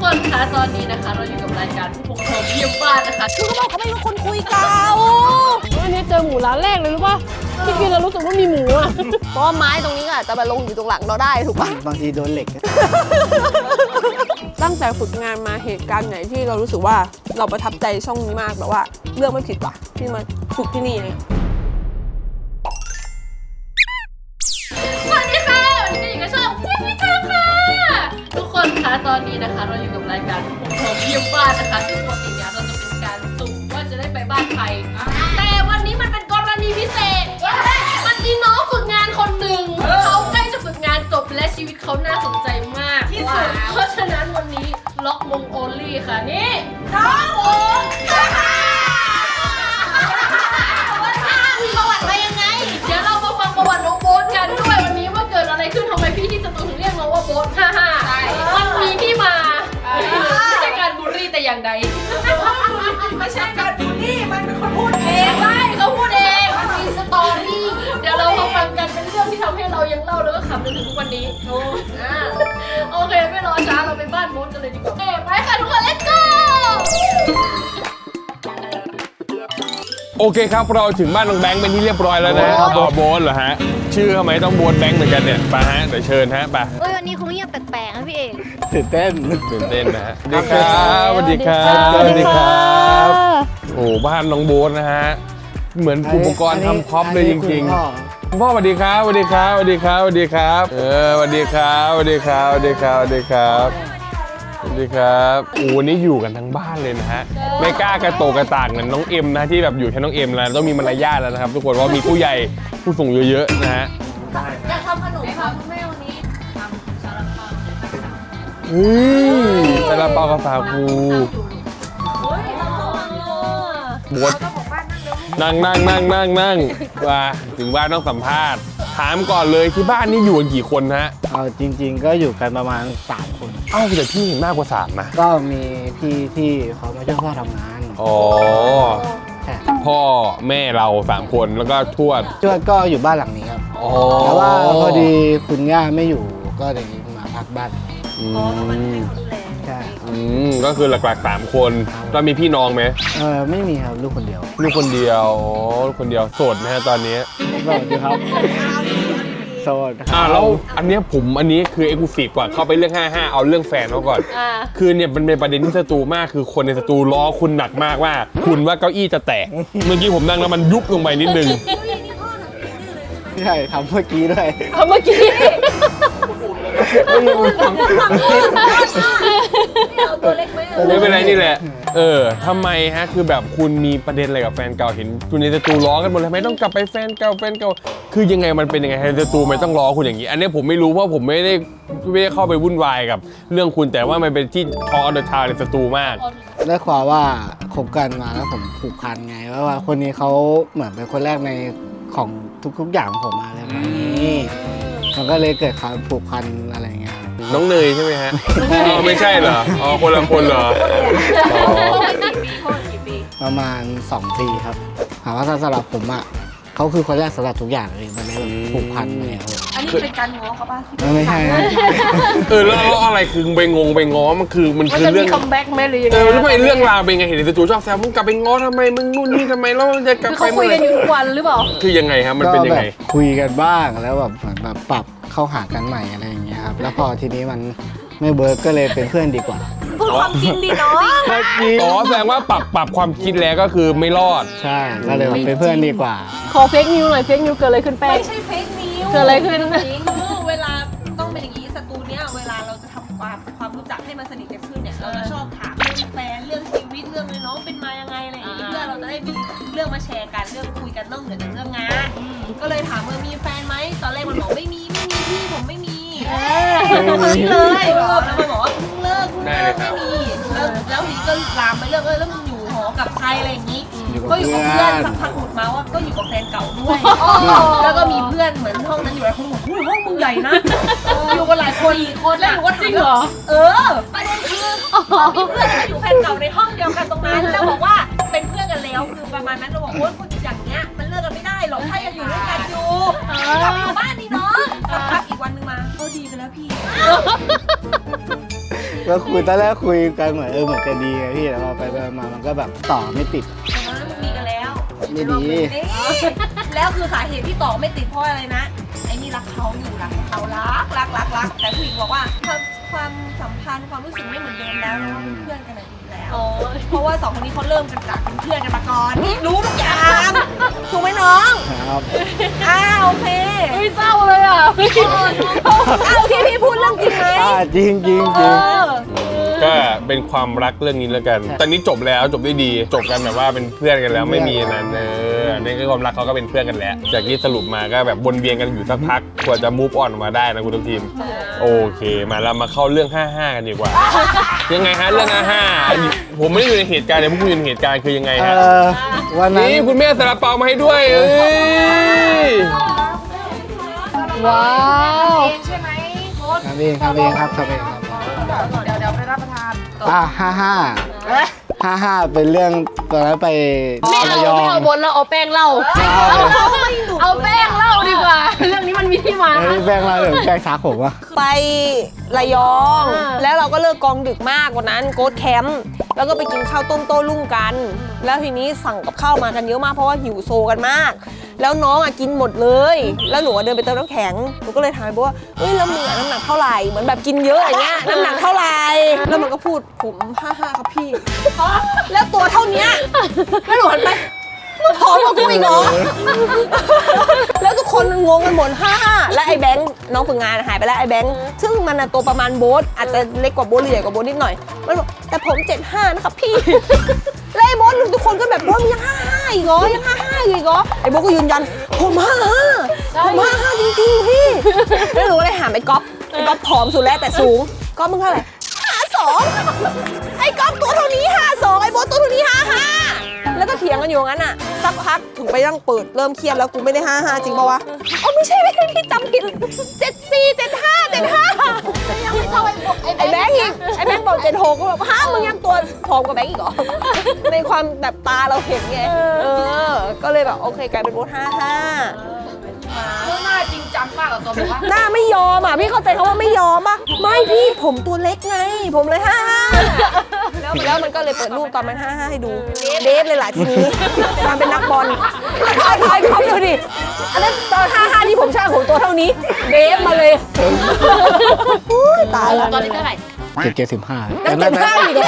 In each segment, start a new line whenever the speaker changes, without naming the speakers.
คนคะตอนนี้นะคะเราอยู่กับรายการผู้ปกครองเยี่ยมบ้านนะคะ
คือเขาบอกเขาไม่รู้คนคุยเก่า
วันนี้เจอหมูร้านแรกเลยรู้ป่ะที่กินแล้วรู้สึกว่ามีหมูอ่ะ
เพราะว่าไม้ตรงนี้อาจจะมาลงอยู่ตรงหลังเราได้ถูกป่ะ
บางทีโดนเหล็ก
ตั้งแต่ฝึกงานมาเหตุการณ์ไหนที่เรารู้สึกว่าเราประทับใจช่องนี้มากแบบว่าเลือกไม่ผิดว่ะที่มาฝึกที่นี่เลย
สวัสดีค่ะวันนี้ก็อยู่กับช่องเยี่ยมวิชาค่ะทุกคนคะตอนนี้นะคะเราอยู่กับรายการผู้ปกครองเยี่ยมบ้านนะคะซึ่งปกติเนี่ยเราจะเป็นการสุ่มว่าจะได้ไปบ้านใครแต่วันนี้มันเป็นกรณีพิเศษมันมีน้องฝึกงานคนหนึ่งเขาใกล้จะฝึกงานจบและชีวิตเขาน่าสนใจมากที่สุดเพราะฉะนั้นวันนี้ล็อกมงโอลี่ค่ะนี่น้องโอ๊ตประวัติมายังไงเดี๋ยวเรามาฟังประวัติน้องโบ๊ทกันด้วยวันนี้ว่าเกิดอะไรขึ้นทำไมพี่ที่สตูถึงเรียกน้องว่าโบ๊ทมันมีที่มาไม่ใช่การบูลลี่แต่อย่างใดไม่ใช่การบูลลี่มันเป็นคนพูดเองใช่เขาพูดเองมันมีสตอรี่เดี๋ยวเรามาฟังกันเป็นเรื่องที่ทำให้เรายังเล่าแล้วก็ขำจนถึงทุกวันนี้โอเคไม่รอช้าเราไปบ้านโบ๊ทกันเลยดีกว่าไปค่ะทุกคน let's go
โอเคครับเราถึงบ้านน้องแบงค์เป็นที่เรียบร้อยแล้วนะโบ๊ทเหรอฮะชื่อทำไมต้องโบ๊ทแบงค์เหมือนกันเนี่ยไปฮะเดี๋ยวเชิญฮะไป
วันนี้คงเงียบแปลกๆนะพี่เอก
ตื่นเต้น
นะฮะสวัสดีครับสวัสดีครับสวัสดีครับโอ้บ้านน้องโบ๊ทนะฮะเหมือนอุปกรณ์ทำคอปเลยจริงๆคุณพ่อสวัสดีครับสวัสดีครับสวัสดีครับสวัสดีครับสวัสดีครับสวัสดีครับสวัสดีครับสวัสดีครับสวัสดีครับโอ้วันนี้อยู่กันทั้งบ้านเลยนะฮะไม่กล้ากระโตกระต่างเหมือนน้องเอ็มนะที่แบบอยู่แค่น้องเอ็มแล้วต้องมีมารยาทแล้วนะครับทุกคนเพราะมีผู้ใหญ่ผู้สูงเยอะๆนะฮะ
อยากทำขนมค่ะคุณแม่วันนี้ทำซาลาเปา
ซาลาเปากาแฟคูบดนั่งว่าถึงบ้านต้องสัมภาษณ์ถามก่อนเลยที่บ้านนี่อยู่กันกี่คนฮะ
เอาจริงๆก็อยู่กันประมาณ3 คน
แต่พี่เห็นมากกว่า3นะ
ก็มีพี่ที่เขามาช่วยพ่อทำงาน
พ่อแม่เรา3 คนแล้วก็ทวด
ก็อยู่บ้านหลังนี้ครับแต่ว่าพอดีคุณย่าไม่อยู่ก็เลยมาพักบ้านใช่
ก็คือหลักๆ3 คนแล้วมีพี่น้องไหม
ไม่มีครับลูกคนเดียว
ลูกคนเดียวโสดนะฮะตอนนี้
โสดครับโสด
แล้วอันนี้คือเอ็กซ์คลูซีฟกว่าเข้าไปเรื่อง55เอาเรื่องแฟนเขาก่อนคือเนี่ยมันเป็นประเด็นที่สตูมากคือคนในสตูล้อคุณหนักมากว่าคุณว่าเก้าอี้จะแตกเมื่อกี้ผมนั่งแล้วมันยุบลงไปนิดนึง
ใช่ทำเมื่อกี้ด้วย
ไม่เป็นไรนี่แหละทำไมฮะคือแบบคุณมีประเด็นอะไรกับแฟนเก่าเห็นคุณในสตูล้อกันหมดเลยไม่ต้องกลับไปแฟนเก่าคือยังไงมันเป็นยังไงในสตูไม่ต้องล้อคุณอย่างนี้อันนี้ผมไม่รู้เพราะผมไม่ได้เข้าไปวุ่นวายกับเรื่องคุณแต่ว่ามันเป็นที่ทอเดอะทาวในสตูมาก
ได้ความว่าคบกันมาแล้วผมผูกพันไงว่าคนนี้เขาเหมือนเป็นคนแรกในของทุกอย่างของผมอะไรแบบนี้มันก็เลยเกิดความผูกพันอะไรเงี้ย
น้องเนยใช่ไหมฮะไม่ใช่เหรอคนละคนเหรอ
ประมาณ2 ปีครับถามว่าสำหรับผมอ่ะเขาคือคนแรกสำหรับทุกอย่างเลยมันเลยผูกพันเลย
อันนี้เป็นการง้อเขาป่ะ
ไม่ใช่
แล้วอะไรคือไปง้อมันคือเรื่อง
คัมแบ็กไหมหรือยังไง
แล้วทำไมเรื่องราวเป็นไงเห็นในสตูชอบแซวมึงกลับไปง้อทำไมมึงนู่นนี่ทำไมแล้วจะกลับไป
เขาคุยกันอยู่ทุกวันหรือเปล่า
คือยังไงครับมันเป็นยังไง
คุยกันบ้างแล้วแบบเหมือนแบบปรับเข้าหากันใหม่อะไรอย่างเงี้ยครับแล้วพอทีนี้มันไม่เบิร์กก็เลยเป็นเพื่อนดีกว่า
พูดความจริงดิเนาะ
แสดงว่าปรับความคิดแล้วก็คือไม่รอด
ใช่ก็เลยเป็นเพื่อนดีกว่า
ขอเฟกนิวหน่อยเฟกนิวเกิดอะไรขึ้นแป้ง
ไม่ใช่เฟกนิว
เกิดอะไรขึ้น
เวลาต้องเป็นอย่างนี้สตูเนี้ยเวลาเราจะทำความรู้จักให้มันสนิทกันขึ้นเนี่ยเราจะชอบถามเรื่องแฟนเรื่องชีวิตเรื่องน้องเป็นมายังไงอะไรอย่างนี้เพื่อเราจะได้มีเรื่องมาแชร์กันเรื่องคุยกันนอกเหนือจากเรื่องงานก็เลยถามมีแฟนไหมตอนแรกมันบอกไม่มีพี่ผมไม่มีเลยแล้วมันบอกว่าเพิ่งเลิกไม่มีแล้วทีก็ลามไปเรื่องแล้วมึงอยู่หอกับใครอะไรอย่างนี้ก็อยู่กับเพื่อนสักพักหลุดมาว่าก็อยู่กับแฟนเก่าด้วยแล้วก็มีเพื่อนเหมือนห้องนั้นอยู่หลายคนบอกห้องมึงใหญ่นะอยู่กันหลายคนแล้วหนูก็จริงเหรอประเด็นคือมีเพื่อนที่อยู่แฟนเก่าในห้องเดียวกันตรงนั้นแล้วบอกว่าเป็นเพื่อนกันแล้วคือประมาณนั้นเราบอกว่าคนอย่างเงี้ยมันเลิกกันไม่ได้หรอกถ้ายังอยู่ด้วยกันอยู่กลับอยู่บ้านนี่เนาะสักพักอีกวันนึงมาเขาดีกันแล้วพี่
ก็คุยตอนแรกคุยกันเหมือนเหมือนจะดีไงพี่แล้วพอไปมามันก็แบบต่อไม่ติด
ตอนนั้นมันมีกันแล้ว
ไม่ดี
แล้วคือสาเหตุที่ต่อไม่ติดเพราะอะไรนะไอ้นี่รักเขาอยู่รักเขารักแต่ผู้หญิงบอกว่าความสัมพันธ์ความรู้สึกไม่เหมือนเดิมแล้วนะเป็นเพื่อนกันอีกแล้วเพราะว่าสองคนนี้เขาเริ่มกันจากเป็นเพื่อนกันมาก่อนรู้ทุกอย่างถูกไหมน้อง
ครับ
โอเค
ไม่เศร้าเลยอ่ะ
ที่พี่พูดเรื่องจริงไหม
จริงจริงจริง
ก็เป็นความรักเรื่องนี้แล้วกัน ตอนนี้จบแล้วจบด้วยดี จบกันแบบว่าเป็นเพื่อนกันแล้วไม่มีนั้นนี่คือความรักเขาก็เป็นเพื่อนกันแล้ว จากที่สรุปมาก็แบบวนเวียนกันอยู่สักพักกว่าจะ move on มาได้นะคุณทุกทีม โอเค มาเรามาเข้าเรื่อง 55 กันดีกว่า ยังไงฮะเรื่อง 55 ผมไม่ได้อยู่ในเหตุการณ์แต่พวกคุณอยู่ในเหตุการณ์คือยังไงฮะ
วันนั้น
นี่คุณแม่ซาลาเปามาให้ด้วยเอ้ย
ว้าว
ทำเองครับ
เดี๋ยวไปรับประทาน
55เป็นเรื่องตอนนั้นไป
ไม่เอาบนแล้วเอาแป้งเล่าเอาแป้งเล่าดีกว่า เรื่องนี้มันมีที่มา
แป้งเราเดี๋ยวแป้งชักผมวะ
ไประยอง แล้วเราก็เลิกกองดึกมากวันนั้นโกดแคมป์แล้วก็ไปกินข้าวต้มโต้รุ่งกัน แล้วทีนี้สั่งกับข้าวมากันเยอะมากเพราะว่าหิวโซกันมาก แล้วน้องกินหมดเลย แล้วหนูเดินไปเติมน้ำแข็งหนูก็เลยถามโบว่าเอ้ยแล้วมึงน้ำหนักเท่าไหร่เหมือนแบบกินเยอะอย่างเงี้ยน้ำหนักเท่าไหร่แล้วมันก็พูดผม55ครับพี่แล้วตัวเท่านี้แล้วหนูหันไปมึงผอมกว่ากูอีกเหรอ แล้วทุกคนงงกันหมด55และไอ้แบงค์น้องฝึกงานหายไปแล้วไอ้แบงค์ซึ่งมันตัวประมาณโบ๊ทอาจจะเล็กกว่าโบ๊ทหรือใหญ่กว่าโบ๊ทนิดหน่อยมันบอกแต่ผม75นะครับพี่ แล้วไอ้โบ๊ททุกคนก็แบบโบ๊ทยัง55อีกเหรอยัง55อีกเหรอไอ้โบ๊ทก็ยืนยันผม55ผม55จริงๆพี่แล้วหนูก็เลยถามไอ้ก๊อฟผอมสุดแล้วแต่สูงก๊อฟมึงเท่าไหร่52ไอ้ก๊อฟตัวเท่านี้52ไอ้โบ๊ทตัวเท่านี้55แล้วก็เถียงกันอยู่งั้นอ่ะสักพักถึงไปนั่งเปิดเริ่มเครียดแล้วกูไม่ได้55จริงป่าวะอ๋อไม่ใช่พี่จำผิด74 75 75ยังไม่เท่าไอ้แบงค์อีกไอ้แบงค์บอก76ก็แบบมึงยังตัวผอมกว่าแบงค์อีกเหรอในความแบบตาเราเห็นไงก็เลยแบบโอเคกลายเป็นโบ๊ท55
หน้าจริงจังมากกับตัวบอกว่า
หน้าไม่ยอมพี่เข้าใจเขาว่าไม่ยอมป่ะไม่พี่ผมตัวเล็กไงผมเลย55แล้วมันก็เลยเปิดรูปตอนมัน55ให้ดูเดฟเลยล่ะทีนี้มาเป็นนักบอลคอยเขาดูดิอันนั้นตอน55ที่ผมช่างผมตัวเท่านี้เดฟมาเลยตายแล้ว
ตอนนี้เท่าไหร่
75
นักเก็บผ้าอีกเหรอ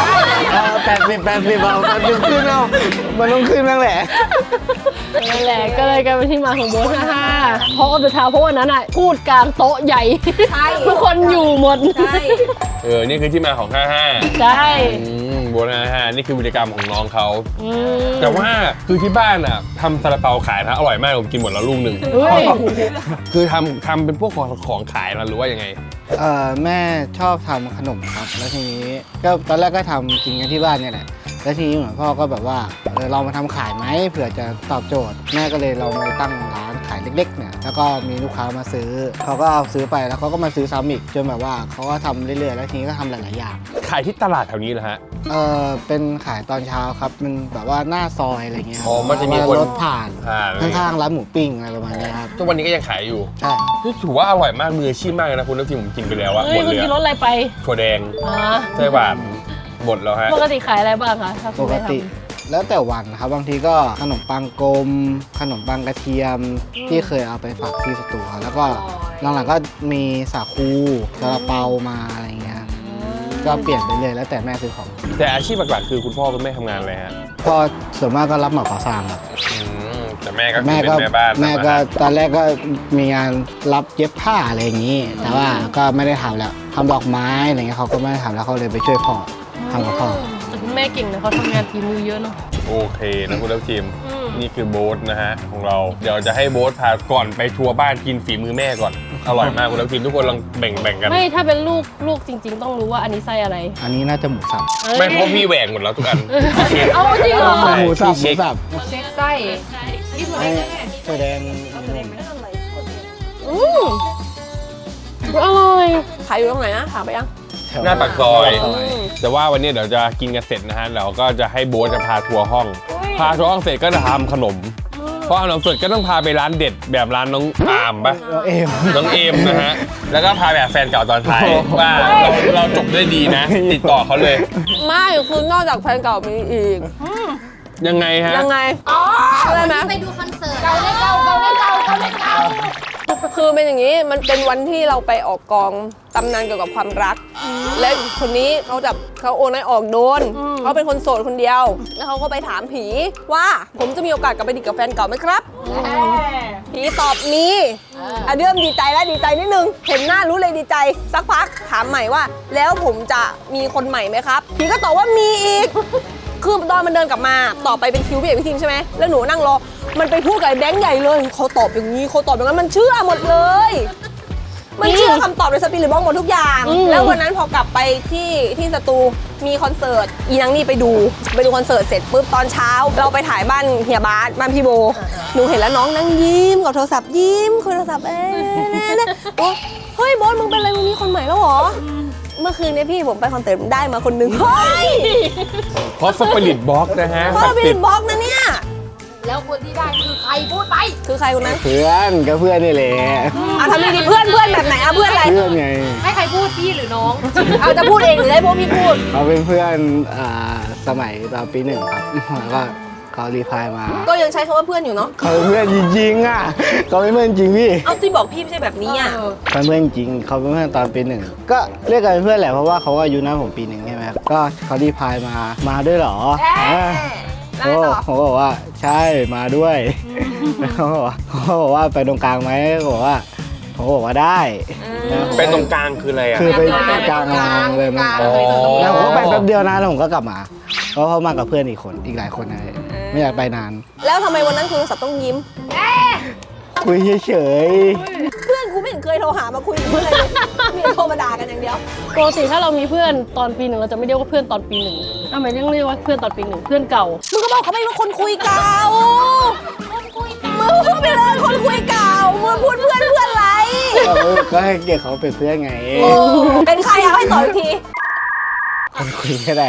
80เอามันขึ้นเอามันต้องขึ้นนั่นแหละ
นั่นแหละก็เลยกลายเป็นที่มาของโบ๊ท55เพราะอัลเดอร์ทาวเพราะวันนั้นอ่ะพูดกลางโต๊ะใหญ่
ใช่
ทุกคนอยู่หมด
ใช่
นี่คือที่มาของ 55
ใช่
โบนัส55นี่คือวิธีกรรมของน้องเขา
อืม
แต่ว่าคือที่บ้านอ่ะทำซาลาเปาขายนะอร่อยมากผมกินหมดแล้วลูกหนึ่ง
เฮ้ย
คือทำเป็นพวกของขายนะหรือว่ายังไง
แม่ชอบทำขนมครับแล้วทีนี้ก็ตอนแรกก็ทำกินกันที่บ้านเนี่ยแหละแล้วทีนี้เหมือนพ่อก็แบบว่าเรามาทำขายไหมเผื่อจะตอบโจทย์แม่ก็เลยลองมาตั้งร้านขายเล็กๆเนี่ยแล้วก็มีลูกค้ามาซื้อเขาก็เอาซื้อไปแล้วเขาก็มาซื้อซ้ำอีกจนแบบว่าเขาก็ทำเรื่อยๆแล้วทีนี้ก็ทำหลายๆอย่าง
ขายที่ตลาดแถวนี้เหรอฮะ
เป็นขายตอนเช้าครับมันแบบว่าหน้าซอยอะไรเงี้ย
อ๋อมันจะมีคน
รถผ่าน
อะไร
ข้างๆร้านหมูปิ้งอะไรประมาณเนี้ยครับ
ทุกวันนี้ก็ยังขายอยู่
ใช่
นี่ถือว่าอร่อยมากมืออาชีพมากเลยนะคุณทัพทีมผมกินไปแล้วอะ
เฮ้
ห
ย
มด
คุณ
เลย
กินรส
อะ
อะไรไป
ถั่วแดง
อ๋อ
ไส้หวานหมดแล้วฮะ
ปกติขายอะไรบ้างคะถ้าคุ
ป
ณ
ก
ไม่ท
ติ แล้วแต่วันครับบางทีก็ขนมปังกลม ขนมปังกระเทียมที่เคยเอาไปฝากที่สตูครับแล้วก็หลังๆก็มีสาคูซาลาเปามาอะไรเงี้ยก็เปลี่ยนไปเลยแล้วแต่แม่ซื้อของ
แต่อาชีพหลักๆคือคุณพ่อคุณแม่ทำงานอะไรฮะ
พ่อส่วนมากก็รับเหมาก่อสร้างครับ
แต่แม่ก็คือ
แม่
เป็น
ก็
แม่บ้าน
แม่ก็
ทำอาหาร
ตอนแรกก็มีงานรับเย็บผ้าอะไรอย่างนี้ แต่ว่าก็ไม่ได้ทำแล้วทำดอกไม้อะไรเงี้ยเขาก็ไม่ได้ทำแล้วเขาเลยไปช่วยพ่อทำกับพ่อ
ำแต่คุณแม่เก่งนะเขาทำงานฝีมือเยอะเนาะ
โอเคนะคุณทัพทีม
อืม
นี่คือโบ๊ทนะฮะของเราเดี๋ยวจะให้โบ๊ทพาก่อนไปทัวร์บ้านกินฝีมือแม่ก่อนอร่อยมากคุณทัพทีมทุกคนลองแบ่งกัน
ไม่ถ้าเป็นลูกจริง ๆ ต้องรู้ว่าอันนี้ไส้อะไร
อันนี้น่าจะหมูสับ
ไม่เพราะพี่แหวกหมดแล้วทุกอัน
เอาจริงเหรอ
ใช่
หมูสับหมู
เช็ค
สับ
เช็คไส้
ให้แสดง
อืมอร่อย
ขายอยู่ตรงไหนนะถามไปยัง
หน้าปากซอย
ซอย
แต่ว่าวันนี้เดี๋ยวจะกินกันเสร็จนะฮะเราก็จะให้โบ๊ทจะพาทัวร์ห้อง พาทัวร์ห้องเสร็จก็จะทำขนมพออาบน้ำสดก็ต้องพาไปร้านเด็ดแบบร้านน้องอามปะ
เราเอม
น้องเอมนะฮะ แล้วก็พาแบบแฟนเก่าตอนท้ายว่าเราจบด้วยดีนะ ติดต่อเขาเลย
ไม่คือนอกจากแฟนเก่ามีอีก
ยังไงฮะ
ยังไงอะไรไหม
ไปดูคอนเสิร์ตเก่าได้เก่าเก่าได้เก่าเก่าได้เก่า
คือเป็นอย่างนี้มันเป็นวันที่เราไปออกกองตำนานเกี่ยวกับความรัก และคนนี้เขาโอนให้ออกโดนเขาเป็นคนโสดคนเดียว แล้วเขาก็ไปถามผีว่าผมจะมีโอกาสกลับไปดีกับแฟนเก่าไหมครับ ผีตอบมีเริ่มดีใจแล้วดีใจนิดนึง เห็นหน้ารู้เลยดีใจ สักพักถามใหม่ว่า แล้วผมจะมีคนใหม่ไหมครับ ผีก็ตอบว่ามีอีก คือตอนมันเดินกลับมาต่อไปเป็นคิวพี่เอกพี่ทีมใช่ไหมแล้วหนูนั่งรอ มันไปพูดกับไอ้แบงค์ใหญ่เลยเขาตอบอย่างนี้เขาตอบอย่างนั้นมันเชื่อหมดเลย มันเชื่อคำตอบในสปิริตบ็อกซ์หมดทุกอย่าง แล้ววันนั้นพอกลับไปที่สตูมีคอนเสิร์ตอีนังนี่ไปดูคอนเสิร์ตเสร็จปุ๊บตอนเช้า เราไปถ่ายบ้านเฮียบาสบ้านพี่โบหนูเห็นแล้วน้องนั่งยิ้มกับโทรศัพท์ยิ้มคุยโทรศัพท์โอ้เฮ้ยโบอสมึงเป็นอะไรมึงมีคนใหม่แล้วเหรอเมื่อคืนนี้พี่ผมไปคอนเสิร์ตได้มาคนหนึ่งเฮ้ย
เพราะสปิริตบ็อกนะฮะ
เพราะเราเป็นบล็อกนะเนี่ย
แล้วคนที่ได้คือใครพูดไป
คือใครคนนั้น
เพื่อนก็เพื่อนนี่แหละ
ทำดีๆเพื่อนแบบไหนเพื่อนอะไร
เพื่อนไง
ให้ใครพูดพี่หรือน้อง
เอาจะพูดเองหรือให้พวกพี่พูด
เขาเป็นเพื่อนสมัยตอนปี 1ครับแล้วก็เขารีพลายมา
ก็ยังใช้คำว่าเพื่อนอยู่เนาะ
เขาเป็นเพื่อนจริงๆอ่ะเขาเป็นเพื่อนจริงพี่
เอาที่บอกพี่ไม่ใช่แบบนี้อ่ะ
เป็นเพื่อนจริงเขาเป็นเพื่อนตอนปี 1ก็เรียกกันเป็นเพื่อนแหละเพราะว่าเขาอายุน้าผมปี 1ใช่ไหมครับก็เขารีพลายมาด้วยเหรอโอ้ผมก็บอกว่าใช่มาด้วยแล้วเขาบอกว่าไปตรงกลางไหมเขาบอกว่าได้
ไปตรงกลางคืออะไรอ่ะ
คือไปกลางรางเลยมันแล้วผมก็ไปแป๊บเดียวนะแล้วผมก็กลับมาเพราะเขามากับเพื่อนอีกหลายคนนะไม่อยากไปนาน
แล้วทำไมวันนั้นคุยโทรศัพท์ต้องยิ้ม
คุยเฉย
เพื่อนกูไม่เห็นเคยโทรหามาคุยกับเลยมีโทรมาด่ากันอย่างเดียว
ปกติถ้าเรามีเพื่อนตอนปี 1เราจะไม่เรียกว่าเพื่อนตอนปี 1ทำไมต้องเรียกว่าเพื่อนตอนปี 1เพื่อนเก่า
มึงก็บอกเขาไม่ว่าคนคุยเก่ามึงพูดไปเลยคนคุยเก่ามึงพูดเพื่อนอะไร
ๆก็ให้เกียรติเขาเป็นเพื่อนไง
เป็นใครเอาให้ต่ออีกที
คนคุยก็ได้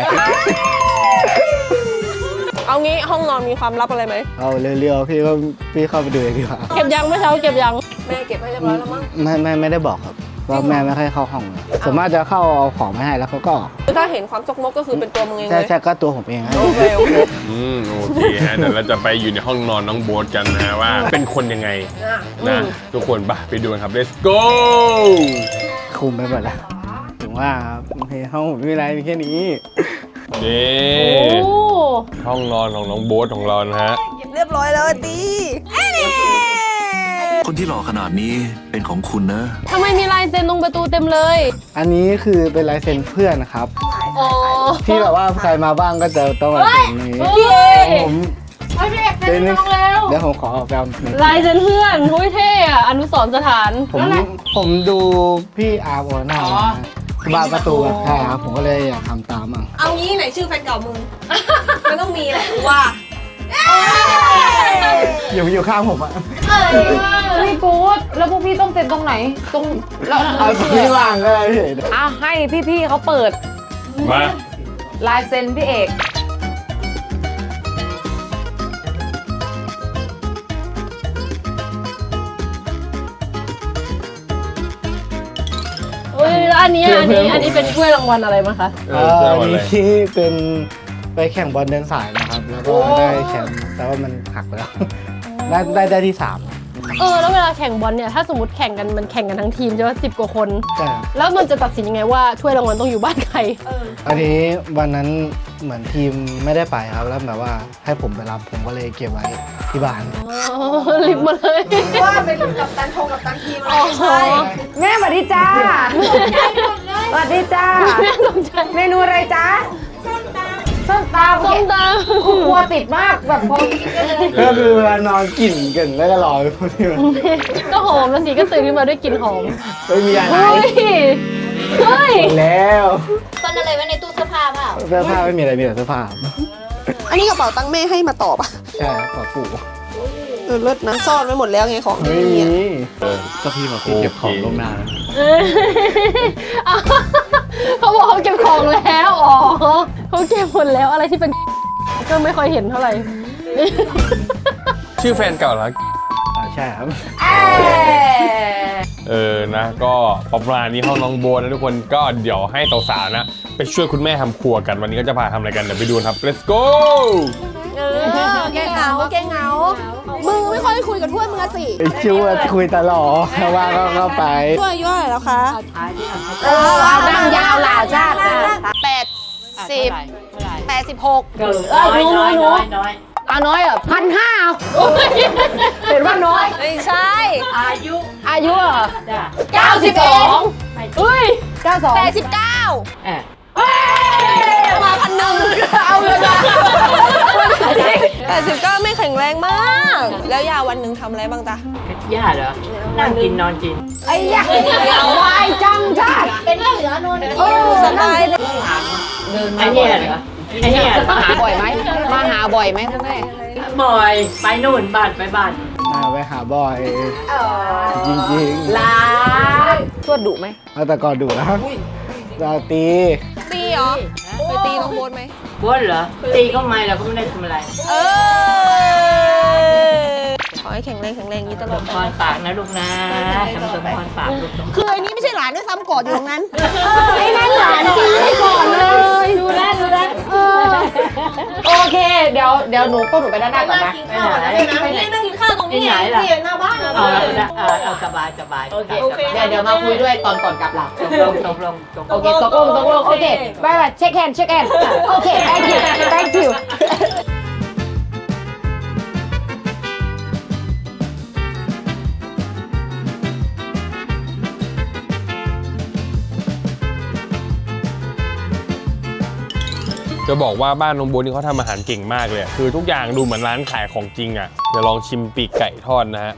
เอางี้ห้องนอนมีความลับอะไรไหม
เอาเร็วๆพี่เข้าไปดูเลยดีกว่า
เก็บยังเมื่อเช้าเก็บยัง
แม่เก็บให้เรียบร้อยแล้วมั้ง
ไม่ได้บอกครับว่าแม่ไม่ค่อยเข้าห้องเลยส่วนมากจะเข้าเอาของมาให้แล้วเขาก็ออก
ถ้าเห็นความจกมกก็คือเป็นตัวมึงเองเลย
ใช่ก็ตัวผมเองครับ
โอเค
โอเคฮะเดี๋ยวเราจะไปอยู่ในห้องนอนน้องโบ๊ทกันนะฮะว่าเป็นคนยังไงนะทุกคนไปดูกันครับ let's go
คุมไปหมดแล้วถึงว่าครับห้องผมไม่มีอะไรมีแค่นี้
นี่
โอ้
ห้องนอนของน้องโบ๊ทของเรานะฮะ
เรียบร้อยแล้วตี
คนที่หล่อขนาดนี้เป็นของคุณนะ
ทำไมมีลายเซ็นตรงประตูเต็มเลย
อันนี้คือเป็นลายเซ็นเพื่อนนะครับ
อ๋อ
ที่แบบว่าใครมาบ้างก็จะต้องมาเซ็นนี้
พี่เอก
ผม
พี่เอกเซ็นน้องแล้ว
เดี๋ยวผมขอแฟมหนึ่ง
ลายเซ็นเพื่อนโอ้ยเท่อะอนุสรณ์สถาน
ผมดูพี่อาร์โอน่าบ้านประตูใช่ครับผมก็เลยอยากทำตามอ่ะ
เอางี้ไหนชื่อแฟนเก่ามึง มันต้องมีแหละว่า
อยู่ข้างผมอ่ะ
พี่กู๊ดแล้วพวกพี่ต้องเซ็นตรงไหน ตรงแล้ว
เอาพี่วางก็ได้พี่
อ่ะให้พี่ๆเขาเปิด
มา
ลายเซ็นพี่เอก
โอ้ยแล้วอันนี้เป็นถ้วยรางวัลอะไรมาคะ
อันนี้ที่เป็นไปแข่งบอลเดินสายนะครับ แล้วก็ได้แชมป์แต่ว่ามันหักไปแล้วได้ที่
แล้วเวลาแข่งบอลเนี่ยถ้าสมมติแข่งกันมันแข่งกันทั้งทีมใช่ไหม10 กว่าคน
3ใช่ครับ
แล้วมันจะตัดสินยังไงว่าถ้วยรางวัลต้องอยู่บ้านใคร
อันนี้วันนั้นเหมือนทีมไม่ได้ไปครับแล้วแบบว่าให้ผมไปรับผมก็เลยเก็บไว้ที่บ้าน
ลิบมาเลย
ว่าเป็นกับตันทงกับตันทีมอะไรไม่ใช่
แม่สวัสดีจ้าสวัสดีจ้า
แม่ตกใจ
เมนูอะไรจ้าส้มตำ
ส้มต
ครัวติดมากแบบพอ
ก็คือเวลานอนกลิ่นกันแล้วก็รอพวกที่มัน
ำก็หอมแล้วสิก็ตื่นขึ้นมาด้วยกลิ่นหอม
ไม่มีอะไร
เฮ้ยเฮ้ย
แล้ว
ซ่อนอะไรไว้ในตู้เสื้อผ้าเปล่า
เสื้อผ้าไม่มีอะไรมีแต่เสื้อผ้า
อันนี้กระเป๋าตังค์แม่ให้มาตอบอ่ะ
ใช่ครับขอปู่
เลิศนะซ่อนไว้หมดแล้วไงของ
ไม่
นี่
มี
ก็พี่มาเก็บของลงหน้า
เขาบอกเขาเก็บของแล้วอ๋อเขาเก็บหมดแล้วอะไรที่เป็นก็ไม่ค่อยเห็นเท่าไหร่
ชื่อแฟนเก่าเหรอ
ใช่ครับ
นะก็ประมาณนี้ห้องน้องโบนะทุกคนก็เดี๋ยวให้สาวๆนะไปช่วยคุณแม่ทำครัวกันวันนี้ก็จะพาทำอะไรกันเดี๋ยวไปดูครับ let's go
แกเหงาแกเหงามึงไม่ค่อยคุยกับถ้วยมึงสิ
ชื่อว่าคุยตลอดว่าก็เข้าไป
ถ้วยย่อยแล้วคะ
เอาดังยาวหลาชาติ
86
หนูเอาน้อยอ่ะ1,500เห็นว่าน้อย
ไม่ใช่
อายุ
อ่ะ
92เฮ้ย92
89
อ่ะ
มา1,000เอาเลยนะ89ไม่แข็งแรงมาก แล้วยาวันหนึ่งทำอะไรบ้างจ๊ะ
ย่าเหรอ นั่งกินนอนกิน
ไอ้ยักษ์วายจังชาติเป็นเหลือนนท์
สบายเลย
ไอ้เนี่ยเหรอ ไอ้เนี่ยเหรอ
มาหาบ่อยไหมมาหาบ่อยไหมคุณแม่
บ่อย ไปนู่นบ้านไปบ้าน
ไปหาบ่อยจริง
ลาทวดดุไหม
ๆเอาแต่ก่อนดูนะเราตี
ตีเหรอ ไปตีน้องโบ๊ทไหม
บ้วนเหรอ ตีก็ไม่เราก็ไม่ได้ทำอะไร
ขอให้แข็งแรงอย่างนี้ตล
ส
อด
ม
ไป
พรปากนะลูกนะทำสมพรปากลูก
คือไอ้นี้ไม่ใช่หลานด้วยซ้ำกอดอยู่ตรงนั้น
ไอ้นั่นหลานจริงไม่ก่อนเลยดูแลโอเคเดี๋ยวหนูพวกหนูไปด้านหน้าก่อนนะ
นี่นั่งกินข้าวตรงนี้ไงที่หน้าบ้าน
เอาแล้วนะเอาสบายสบายโอเค
เดี๋ยวมาคุยด้วยตอนก่อนกลับหลับ
ตกลง
โอเคตกลงโอเคบายเช็คแฮนด์โอเค thank you
จะบอกว่าบ้านน้องโบนี่เขาทำอาหารเก่งมากเลยคือทุกอย่างดูเหมือนร้านขายของจริงอ่ะเดี๋ยวลองชิมปีกไก่ทอดนะฮะ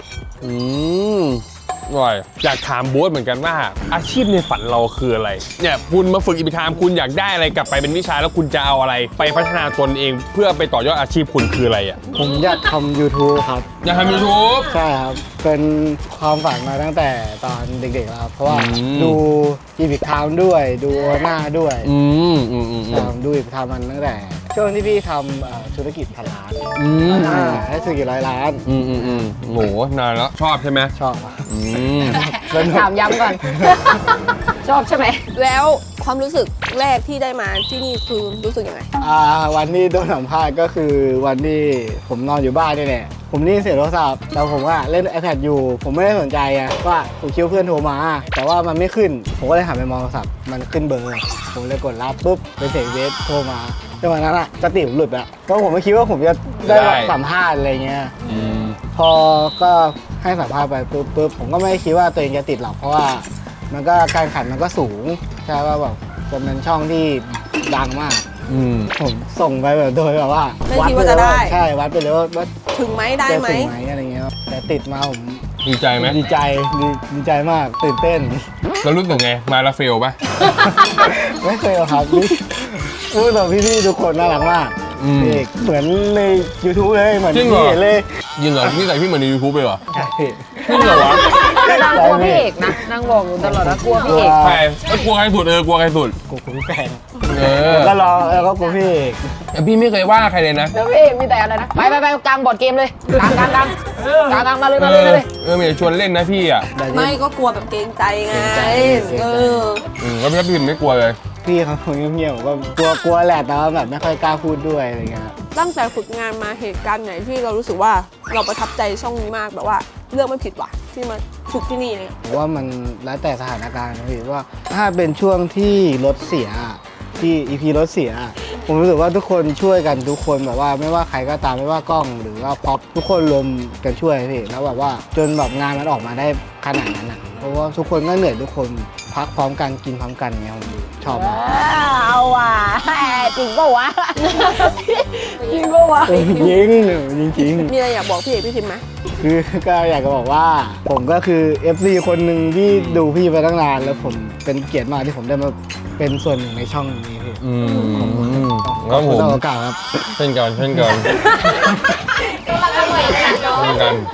อร่อยอยากถามโบ๊ทเหมือนกันว่าอาชีพในฝันเราคืออะไรเนี่ยคุณมาฝึกอิปทามคุณอยากได้อะไรกลับไปเป็นวิชาแล้วคุณจะเอาอะไรไปพัฒนาตนเองเพื่อไปต่อยอดอาชีพคุณคืออะไรอ่ะ
ผมอยากทำ YouTube ครับ
อยากทำ YouTube
ใช่ครับ เป็นความฝันมาตั้งแต่ตอนเด็กๆแล้วครับ เพราะว่าดูอีพิกไทม์ด้วย ดูโอหน้าด้วยดูอีพิกไทม์มันตั้งแต่ช่วงที่พี่ทำธุรกิจพันล้านให้ธุรกิจ100 ล้าน
โหนานแล้วชอบใช่ไหม
ชอบ
ถามย้ำก่อน ชอบใช่ไหม
แล้วความรู้สึกแรกที่ได้มาที่นี่คือรู้สึกยังไง
วันที่โดนสัมภาษณ์ก็คือวันที่ผมนอนอยู่บ้านนี่แหละผมนี่เสียโทรศัพท์แต่ผมก็เล่น iPad อยู่ ผมไม่ได้สนใจอะว่าผมคิดว่าเพื่อนโทรมา แต่ว่ามันไม่ขึ้น ผมก็เลยหันไปมองโทรศัพท์มันขึ้นเบอร์ ผมเลยกดรับปุ๊บเป็นเสียงเวสโทรมาจังหวะนั้นอะสติผมหลุดอะเพราะผมไม่คิดว่าผมจะได้สัมภาษณ์อะไรเงี้ยพอก็ให้สัมภาษณ์ไปปุ๊บผมก็ไม่คิดว่าตัวเองจะติดหรอกเพราะว่ามันก็การขันมันก็สูงใช่ว่าแบบจะเป็นช่องที่ดังมากผมส่งไปแบบโดยแบบว่า
ไม่คิดว่าจะได้
ใช่วัดไปเลยว่า
ถึงไหมได้ไหม
จะถึงไหมอะไรเงี้ยแต่ติดมาผม
ดีใจไหม
ดีใจมากตื่นเต้น
แล้วรู้สึกไงมาแล้วเฟลปะ
ไม่เคยหรอกครับนี่พูดแบบพี่ๆทุกคนน่ารักมากเอกเหมือนใน YouTube เลยเหมือน
จริง
ที่
เหรอ
เห็นเลย
ยิงเหรอนี่ใส่พี่เหมือนใน YouTube เลยเหรอ
ใช่
จริงเหรอวะ
นางกลัวพี่เอกนะนางบอกอยู่ตลอดว่ากลัวพี่เอก
ใครกลัวใครสุดกลัวใครสุด
กูพี่แฟน
อ
ก็รอแล้วก็กูพี่เอก
แต่พี่ไม่เคยว่าใครเลยนะ
แล้วพี่เอกมีแต่อะไรนะ ไปกลางบอร์ดเกมเลยกลางมาเลยมาเลย
มีแต่ชวนเล่นนะพี่อ่ะ
ไม่ก็กลัวแบบเกรงใจไง
แล้วพี่ไม่กลัวเลย
พี่เขาเงียบๆผมก็กลัวแหละแต่ว่าแบบไม่ค่อยกล้าพูดด้วยอะไรเงี้ย
ตั้งแต่ฝึกงานมาเหตุการณ์ไหนที่เรารู้สึกว่าเราประทับใจช่องนี้มากแบบว่าเลือกไม่ผิดว่ะที่มาฝึกที่นี่เนี่ย
ผมว่ามันแล้วแต่สถานการณ์นะพี่ว่าถ้าเป็นช่วงที่รถเสียที่ EP รถเสียผมรู้สึกว่าทุกคนช่วยกันทุกคนแบบว่าไม่ว่าใครก็ตามไม่ว่ากล้องหรือว่าพ็อปทุกคนรวมกันช่วยพี่แล้วแบบว่าจนแบบงานมันออกมาได้ขนาดนั้นอ่ะเพราะว่าทุกคนก็เหนื่อยทุกคนพักพร้อมกันกินพร้อมกันเงี้ยผมชอบมาก
เอาว่ะจริงป่าวะ
จริงป่าวะ
จริง
มีอะไรอยากบอกพี่เอกพี่ทิมไหม
คือก็อยากจะบอกว่าผมก็คือ FC คนหนึ่งที่ดูพี่มาตั้งนานแล้วผมเป็นเกียรติมากที่ผมได้มาเป็นส่วนหนึ่งในช่องนี้พี่
ครับผม
ขอบคุณโอกาสครับ
เช่นกัน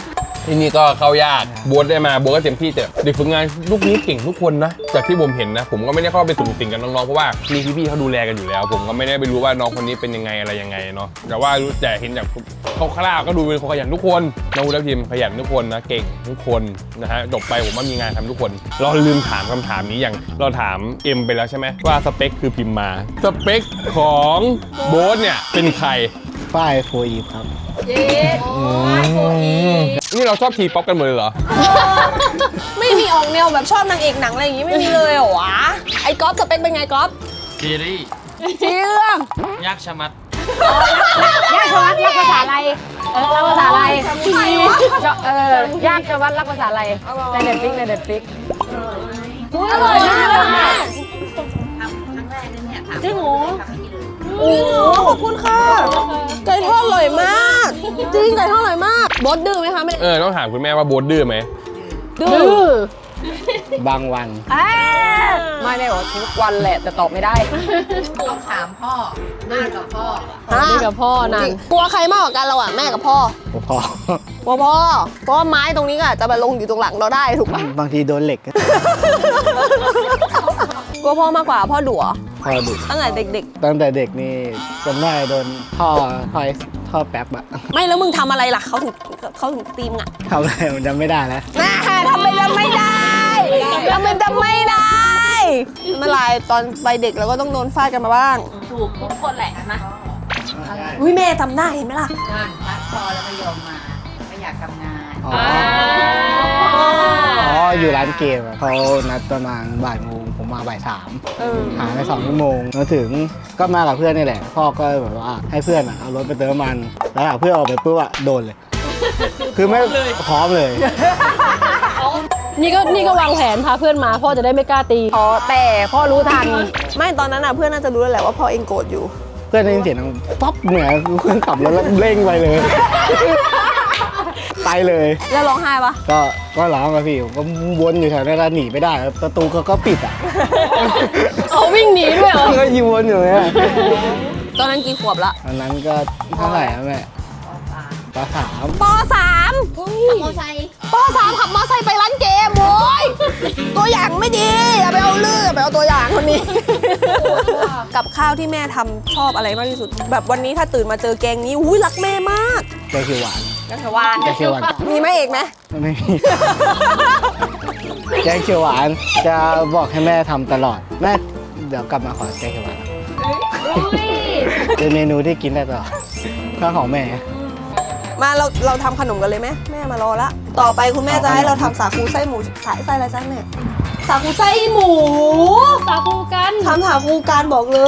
ที่นี่ก็เข้ายากโบ๊ทได้มาโบ๊ทก็เต็มที่แต่เด็กฝึกงานลูกนี้เก่งทุกคนนะจากที่ผมเห็นนะผมก็ไม่ได้เข้าไปสุ่มสิ่งกับน้องๆเพราะว่ามีพี่ๆเขาดูแลกันอยู่แล้ว ผมก็ไม่ได้ไปรู้ว่าน้องคนนี้เป็นยังไงอะไรยังไงเนาะแต่ว่ารู้แต่เห็นจากคร่าวๆก็ดูเป็นคนขยันทุกคนน้องวุฒิพิมพ์ขยันทุกคนนะเก่งทุกคนนะฮะจบไปผมว่ามีงานทำทุกคนเราลืมถามคำถามนี้อย่างเราถามเอ็มไปแล้วใช่ไหมว่าสเปคคือพิมพ์มาสเปคของโบ๊ทเนี่ยเป็นใคร
ป้ายโฟอีฟครับ
นี่เราชอบทีป๊อปกันหมดเลยเหรอ
ไม่มีออกแนวแบบชอบนางเอกหนังอะไรอย่างงี้ไม่มีเลยเหรอวะไอ้ก๊อฟสเปคเป็นไงก๊อฟ
ซีรีส์
เชื่อง
ยากชะมัด
ยากชวัดรักภาษาอะไรรักภาษาอะไรยากชวัดรักภาษาอะไรในเน็ตฟิกในเน็ตฟิกอร่อยมาก
จริงเหรอ
โอ้ขอบคุณค่ะไก่ทอดอร่อยมากจริงไก่ทอดอร่อยมากบอสดื้อไหมคะไม่
ต้องถามคุณแม่ว่าโบ๊ทดื้อไหม
ดื้อบ
างวัน
ไม่ได้บอกทุกวันแหละแต่ตอบไม่ได้
ต้องถามพ่อหน้ากับพ่อ
นี่กับพ่อนาง
กลัวใครมากกว่ากันเราอะแม่กับพ่อ
พอก
ลัวพ่อเพราะว่าไม้ตรงนี้ก็อาจจะมาลงอยู่ตรงหลังเราได้ถูกปะ
บางทีโดนเหล็ก
กลัวพ่อมากกว่าพ่อดุเหรอ
พอดุ
ตั้งแต่เด็ก
ตั้งแต่เด็กนี่จำได้โดนท่อแป๊บอะ
ๆ ไม่แล้วมึงทำอะไรล่ะเขาถึงตีมงอะ
ทำอะไรมันจำไม่ได้แล้ว
น่าทำไมจำไม่ได้ทำไมจำไม่ได้ไม่เป็นไรตอนไปเด็กเราก็ต้องโดนฟาดกันมาบ้าง
ถูกทุกคนแหละนะ
อุ้ยแม่จำได้เห็นไหมล่ะ
งานพักพอแล้วก็ยอมมาไม่อยากทำงาน
อ๋ออยู่ร้านเกมอะเขานัดประมาณบ่ายโมงผมมาบ่ายสามหายไป2 ชั่วโมงมาถึงก็มากับเพื่อนนี่แหละ พ่อก็แบบว่าให้เพื่อนอะเอารถไปเติมน้ำมัน แล้วเพื่อนออกไปปุ๊บอะโดนเลย คือไม่พร้อมเลย
นี่ก็วางแผนพาเพื่อนมาพ่อจะได้ไม่กล้าตี
อ๋อแต่พ่อรู้ทัน
ไม่ตอนนั้นอ่ะเพื่อนน่าจะรู้แล้วแหละว่าพ่อเองโกรธอยู่
เพื่อนได้ยินเสียงดังป๊อปเหมือนเพื่อนขับรถแล้วเร่งไปเลย ไปเลย
แล้วร้องไห้ปะ
ก็ร้องอะพี่ผมก็วนอยู่แถวนั้นแล้วหนีไม่ได้ประตูเขาก็ปิดอะ
เขาวิ่งหนีด้วยเหรอ
ก็ยิงวนอยู่เนี่ย
ตอนนั้นกี่ขวบละ
ตอนนั้นก็เท่าไหร่อะแม่ป .3
ป .3
มอไซค์
ป .3 ขับมอไซค์ไปร้านเกมโว้ยตัวอย่างไม่ดีอย่าไปเอาเรื่องอย่าไปเอาตัวอย่างคนนี้ กับข้าวที่แม่ทำชอบอะไรมากที่สุด แบบวันนี้ถ้าตื่นมาเจอแกงนี้อุ้ยรักแม่มาก
แกงเขียวหวาน
แกงเขียวหวาน
แกงเขียวหวาน
มีไหมเอกไหม
ไม่มี แกงเขียวหวานจะบอกให้แม่ทำตลอดแม่เดี๋ยวกลับมาขอแกงเขียวหวานนะเป็นเมนูที่กินได้ตลอดข้าวของแม่
มาเราทำขนมกันเลยไหมแม่มารอละต่อไปคุณแม่จะให้เราทำสาคูไส้หมูไส้อะไรจ้าแม่สาคูไส้หมู
สาคูกัน
ทำสาคูการบอกเลย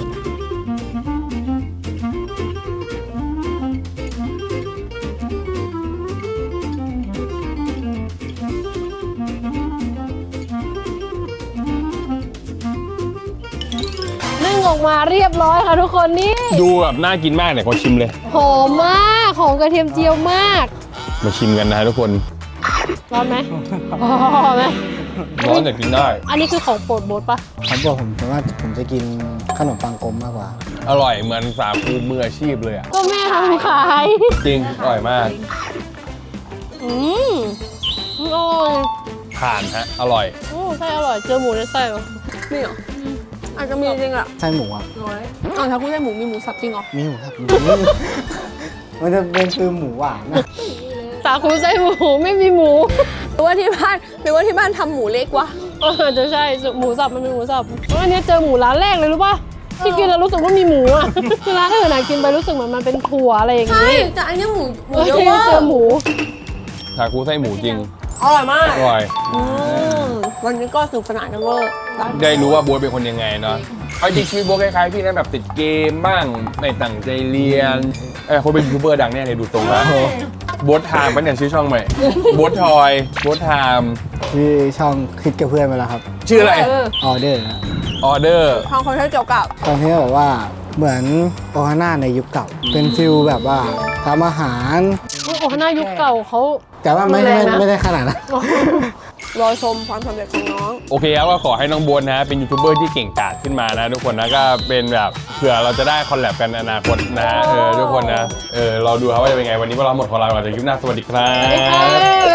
นึ่งออกมาเรียบร้อยค่ะทุกคนนี่
ดูแบบน่ากินมากเนี่ยขอชิมเลย
หอมมากหอมกระเทียมเจียวมาก
มาชิมกันนะทุกคน
ร้อนไหมร้อนไหม
ร้อนแต่กินได้
อันนี้คือของโปรดโบ๊ทปะ
เขาบอกผมแต่ว่าผมจะกินขนมปังกลมมากกว่า
อร่อยเหมือนสาคูมืออาชีพเลยอ่ะ
ก็แม่ทำขาย
จริงอร่อยมาก
อืมอร่อย
ผ่านฮะอร่อย
ไส้อร่อยเจอหมูในไส้เหรอ
นี่เหรออาจจะมีจริงอ่ะ
ไส้หมูอ่ะ
อ้าวถ้าคุณได้หมูมีหมูสับจริงเหรอ
มีหมูครับ มันจะเป็นคือหมูหวานนะ
สาคูไส้หมูไม่มีหมู
หรือว่าที่บ้านทำหมูเล็กวะ
จะใช่หมูสับมันเป็นหมูสับอันนี้เจอหมูร้านแรกเลยรู้ปะที่กินแล้วรู้สึกว่ามีหมูอ่ะ คือร้านอื่นน่ะกินไปรู้สึกเหมือนมันเป็นถั่วอะไรอย่าง
ใช่
นี้
แต่อันนี้หมู
เ
เยอะ
จ
มาก
อหมู
สาคูไส้หมูจริง
อร่อยมาก
อร่อย
วันนี้ก็สนุกสนานกันเวอร์
ได้รู้ว่าโบ๊ทเป็นคนยังไงเนาะเอาจริงชีวิตโบ๊ทคล้ายๆพี่นะแบบติดเกมบ้างไม่ตั้งใจเรียนคนเป็นยูทูบเบอร์ดังแน่เลยดูตรงแล้วโบ๊ทไทม์เป็นอย่างชื่อช่องใหม่โบ๊ททอยโบ๊ทไทม์
ที่ช่องคิดกับเพื่อนมาแล้วครับ
ชื่ออะไร
ออเดอร์นะ
ออเดอร์
ทางคอนเทนต์เกี่ยวกับ
ตอนที่แบบว่าเหมือนโอฮาน่าในยุคเก่า เป็นฟิลแบบว่าทำอาหาร
โอ้โหหน้ายุคเก่าเขา
แต่ว่าไม่
รุนแรงนะ
ได้ขนาดนั้น
รอชมความสำเร็จของน้อง
โอเคครับก็ขอให้น้องโบ๊ทนะเป็นยูทูบเบอร์ที่เก่งกาจขึ้นมานะทุกคนนะก็เป็นแบบเผื่อเราจะได้คอลแลบกันในอนาคตนะทุกคนนะเราดูครับว่าจะเป็นไงวันนี้พวกเราหมดของเราจากคลิปหน้าสวัสดีครับ